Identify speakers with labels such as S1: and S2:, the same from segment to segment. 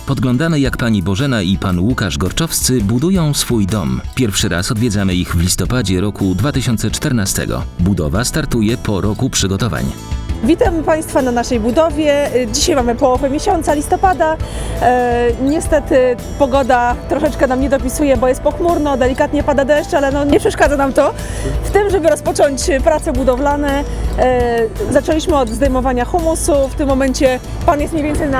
S1: Podglądamy, jak pani Bożena i pan Łukasz Gorczowscy budują swój dom. Pierwszy raz odwiedzamy ich w listopadzie roku 2014. Budowa startuje po roku przygotowań.
S2: Witam Państwa na naszej budowie. Dzisiaj mamy połowę miesiąca listopada. Niestety pogoda troszeczkę nam nie dopisuje, bo jest pochmurno, delikatnie pada deszcz, ale nie przeszkadza nam to w tym, żeby rozpocząć prace budowlane. Zaczęliśmy od zdejmowania humusu. W tym momencie Pan jest mniej więcej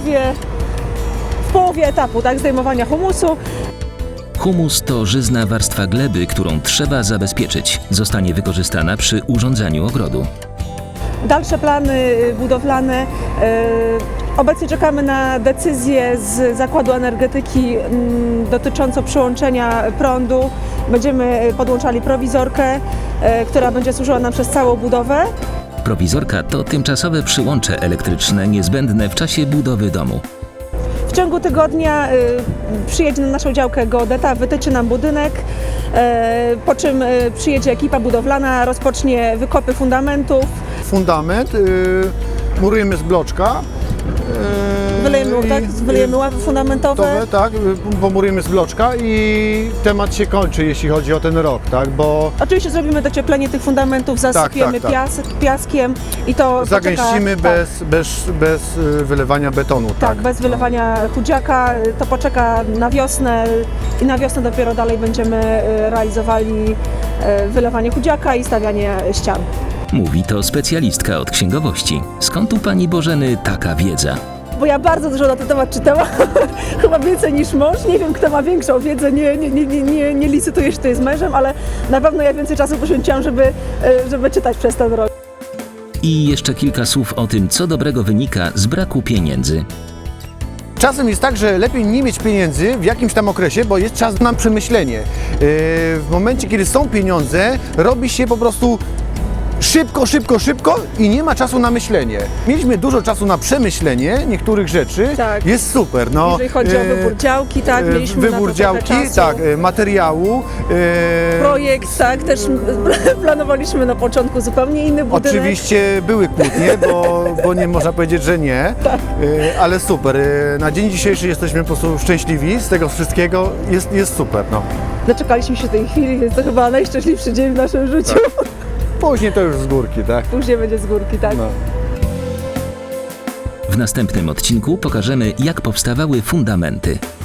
S2: w połowie etapu, tak, zdejmowania humusu.
S1: Humus to żyzna warstwa gleby, którą trzeba zabezpieczyć. Zostanie wykorzystana przy urządzaniu ogrodu.
S2: Dalsze plany budowlane. Obecnie czekamy na decyzję z Zakładu Energetyki dotyczącą przyłączenia prądu. Będziemy podłączali prowizorkę, która będzie służyła nam przez całą budowę.
S1: Prowizorka to tymczasowe przyłącze elektryczne niezbędne w czasie budowy domu.
S2: W ciągu tygodnia przyjedzie na naszą działkę geodeta, wytyczy nam budynek, po czym przyjedzie ekipa budowlana, rozpocznie wykopy fundamentów.
S3: Fundament murujemy z bloczka.
S2: Wylejemy ławy fundamentowe.
S3: Tak, pomurujemy z bloczka i temat się kończy, jeśli chodzi o ten rok, tak, bo
S2: Oczywiście zrobimy docieplenie tych fundamentów, zasypiemy
S3: tak.
S2: piaskiem i to
S3: zagęścimy
S2: poczeka,
S3: bez wylewania betonu.
S2: tak, bez wylewania chudziaka, to poczeka na wiosnę i na wiosnę dopiero dalej będziemy realizowali wylewanie chudziaka i stawianie ścian.
S1: Mówi to specjalistka od księgowości. Skąd u pani Bożeny taka wiedza?
S2: Bo ja bardzo dużo na ten temat czytałam, chyba więcej niż mąż. Nie wiem, kto ma większą wiedzę, nie licytuję się tutaj z mężem, ale na pewno ja więcej czasu poświęciłam, żeby czytać przez ten rok.
S1: I jeszcze kilka słów o tym, co dobrego wynika z braku pieniędzy.
S3: Czasem jest tak, że lepiej nie mieć pieniędzy w jakimś tam okresie, bo jest czas na przemyślenie. W momencie, kiedy są pieniądze, robi się po prostu szybko i nie ma czasu na myślenie. Mieliśmy dużo czasu na przemyślenie niektórych rzeczy,
S2: Tak.
S3: jest super. No,
S2: Jeżeli chodzi o wybór działki, tak, mieliśmy na to
S3: wybór
S2: trochę
S3: działki,
S2: czasu.
S3: tak, materiału.
S2: Projekt, tak, też planowaliśmy na początku zupełnie inny budynek.
S3: Oczywiście były kłótnie, bo nie można powiedzieć, że nie, ale super. Na dzień dzisiejszy jesteśmy po prostu szczęśliwi z tego wszystkiego, jest super. No.
S2: Doczekaliśmy się tej chwili, więc to chyba najszczęśliwszy dzień w naszym życiu.
S3: Później to już z górki, tak?
S2: Później będzie z górki, tak.
S3: No.
S1: W następnym odcinku pokażemy, jak powstawały fundamenty.